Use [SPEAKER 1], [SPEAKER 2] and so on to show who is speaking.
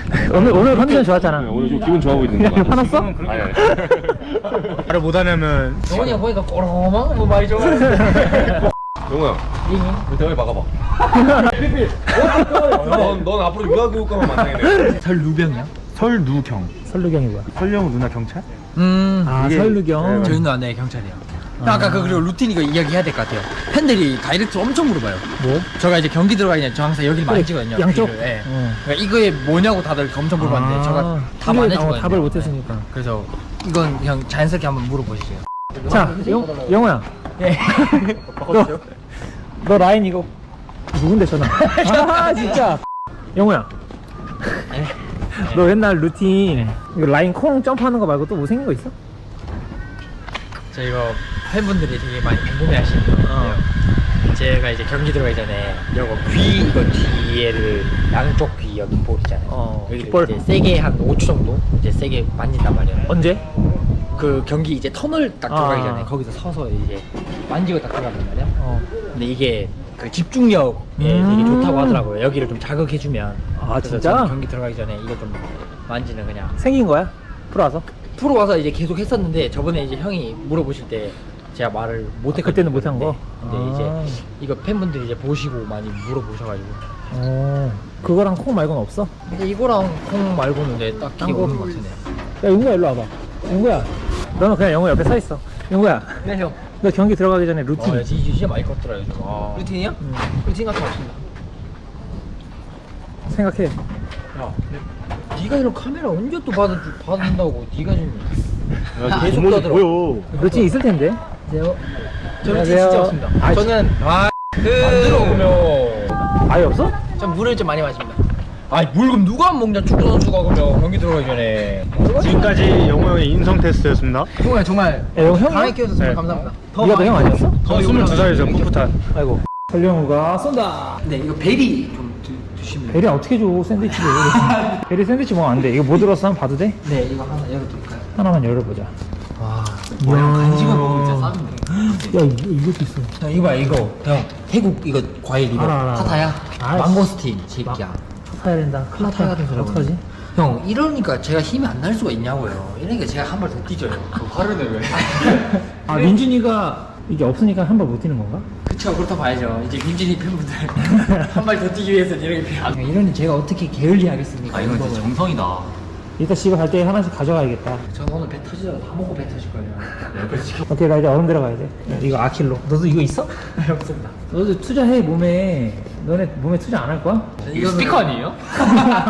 [SPEAKER 1] 오늘 컨디션 좋았잖아.
[SPEAKER 2] 오늘 좀 기분 좋아 보이는 거 같아.
[SPEAKER 1] 화났어?
[SPEAKER 2] 아니.
[SPEAKER 3] 말을 못하냐면
[SPEAKER 4] 영훈이가 보니까 꼬롱한 뭐 많이 좋아.
[SPEAKER 2] 영호야, 우리 대화에 박아봐. 넌 앞으로 유아교육과만 만나겠네.
[SPEAKER 4] 설루병이야?
[SPEAKER 3] 설누경.
[SPEAKER 1] 설루경이 뭐야?
[SPEAKER 3] 설령 누나 경찰?
[SPEAKER 1] 아
[SPEAKER 3] 이게-
[SPEAKER 1] 설루경.
[SPEAKER 4] 저희 누나 네 경찰이야. 아까 그 그리고 루틴 이거 이야기해야 될 것 같아요. 팬들이 다이렉트 엄청 물어봐요.
[SPEAKER 1] 뭐?
[SPEAKER 4] 제가 이제 경기 들어가기 전에 저 항상 여기를
[SPEAKER 1] 그래,
[SPEAKER 4] 만지거든요.
[SPEAKER 1] 양쪽?
[SPEAKER 4] 귀를. 예.
[SPEAKER 1] 어.
[SPEAKER 4] 그러니까 이거에 뭐냐고 다들 엄청 물어봤는데 제가 답 안 해주거든요.
[SPEAKER 1] 답을 못했으니까.
[SPEAKER 4] 네. 그래서 이건 그냥 자연스럽게 한번 물어보시죠.
[SPEAKER 1] 자, 영호야.
[SPEAKER 4] 예.
[SPEAKER 1] 너 라인 이거 누군데 전화? 아 진짜. 영호야. 너 옛날 루틴 이거 라인 콩 점프하는 거 말고 또 뭐 생긴 거 있어?
[SPEAKER 4] 저 이거 팬분들이 되게 많이 궁금해하시는 건데요. 제가 이제 경기 들어가기 전에 이거 귀 이거 뒤에를 양쪽 귀 여기 볼 있잖아요. 여기를
[SPEAKER 1] 귓볼.
[SPEAKER 4] 이제 세게 한 5초 정도 이제 세게 만진단 말이에요.
[SPEAKER 1] 언제?
[SPEAKER 4] 그 경기 이제 터널 딱 들어가기
[SPEAKER 1] 아.
[SPEAKER 4] 전에 거기서 서서 이제 만지고 딱 들어간단 말이야. 근데 이게 그 집중력에 되게 좋다고 하더라고요. 여기를 좀 자극해주면.
[SPEAKER 1] 아,
[SPEAKER 4] 그래서
[SPEAKER 1] 진짜?
[SPEAKER 4] 저는 경기 들어가기 전에 이거 좀 만지는 그냥
[SPEAKER 1] 생긴 거야? 프로 와서?
[SPEAKER 4] 프로 와서 이제 계속 했었는데 저번에 이제 형이 물어보실 때 제가 말을 못했거든요.
[SPEAKER 1] 그때는 못한 거?
[SPEAKER 4] 근데
[SPEAKER 1] 아.
[SPEAKER 4] 이제 이거 팬분들이 이제 보시고 많이 물어보셔가지고.
[SPEAKER 1] 그거랑 콩 말고는 없어?
[SPEAKER 4] 근데 이거랑 콩 말고는 내 딱히
[SPEAKER 1] 딴 거?
[SPEAKER 4] 없는 것 같으네.
[SPEAKER 1] 야 영구야 일로 와봐. 영구야. 너는 그냥 영구 옆에 서 있어. 영구야.
[SPEAKER 4] 네 형.
[SPEAKER 1] 너 경기 들어가기 전에 루틴.
[SPEAKER 4] 진짜 많이 컸더라 요즘. 루틴이요? 루틴 같은 거 없습니다.
[SPEAKER 1] 생각해.
[SPEAKER 4] 야, 네가 이런 카메라 언제 또 받는다고 네가 좀 계속
[SPEAKER 3] 모습
[SPEAKER 4] 떠들어.
[SPEAKER 3] 보여.
[SPEAKER 1] 루틴 있을 텐데.
[SPEAKER 4] 안녕하세요. 저는
[SPEAKER 1] 안녕하세요.
[SPEAKER 4] 진짜 없습니다.
[SPEAKER 1] 아,
[SPEAKER 4] 저는 만들어 오면
[SPEAKER 1] 아예 없어?
[SPEAKER 4] 전 물을 좀 많이 마십니다. 아니 물 그럼 누가 안 먹냐 축구 선수가 그러면 경기 들어가기 전에.
[SPEAKER 3] 지금까지 영호 형의 인성 테스트였습니다.
[SPEAKER 4] 정말 정말
[SPEAKER 1] 야, 이거 형이야?
[SPEAKER 4] 강하게 키워서 정말
[SPEAKER 3] 네.
[SPEAKER 4] 감사합니다.
[SPEAKER 1] 네가 너 형 아니었어?
[SPEAKER 3] 저 22살이죠, 풋풋한.
[SPEAKER 1] 아이고. 설영우가 쏜다.
[SPEAKER 4] 네 이거 베리 좀 드시면.
[SPEAKER 1] 베리 어떻게 줘 샌드위치를. 베리 샌드위치 먹으면 안 돼. 이거 뭐 들었어? 한번 봐도 돼?
[SPEAKER 4] 네 이거 하나 열어드릴까요?
[SPEAKER 1] 하나만 열어보자.
[SPEAKER 4] 와 뭐야 간식을 먹으면 진짜 싸는데.
[SPEAKER 1] 야 이것도 있어.
[SPEAKER 4] 형 이거 봐 이거 형 태국 이거 과일 이거
[SPEAKER 1] 알아.
[SPEAKER 4] 파타야
[SPEAKER 1] 아이씨.
[SPEAKER 4] 망고스틴 새끼야.
[SPEAKER 1] 사야 된다. 큰일
[SPEAKER 4] 파타야
[SPEAKER 1] 났다.
[SPEAKER 4] 같은 소리
[SPEAKER 1] 어떡하지?
[SPEAKER 4] 형 이러니까 제가 힘이 안 날 수가 있냐고요. 이러니까 제가 한 발 더 뛰져요. 화를 내 왜?
[SPEAKER 1] 아 민준이가 이게 없으니까 한 발 못 뛰는 건가?
[SPEAKER 4] 그쵸 그렇다 봐야죠. 이제 민진이 팬분들 한 발 더 뛰기 위해서는 이렇게 필요합니다. 이러니 제가 어떻게 게을리하겠습니까?
[SPEAKER 5] 아 이건 진짜 정성이다.
[SPEAKER 1] 이따 집에 갈 때 하나씩 가져가야겠다.
[SPEAKER 4] 저는 오늘 배 터지다가 다 먹고 배 터질걸요.
[SPEAKER 1] 오케이 나 이제 얼음 들어가야 돼. 이거 아킬로. 너도 이거 있어?
[SPEAKER 4] 없습니다.
[SPEAKER 1] 너도 투자해 몸에. 너네 몸에 투자 안 할 거야?
[SPEAKER 5] 이거 스피커 아니에요?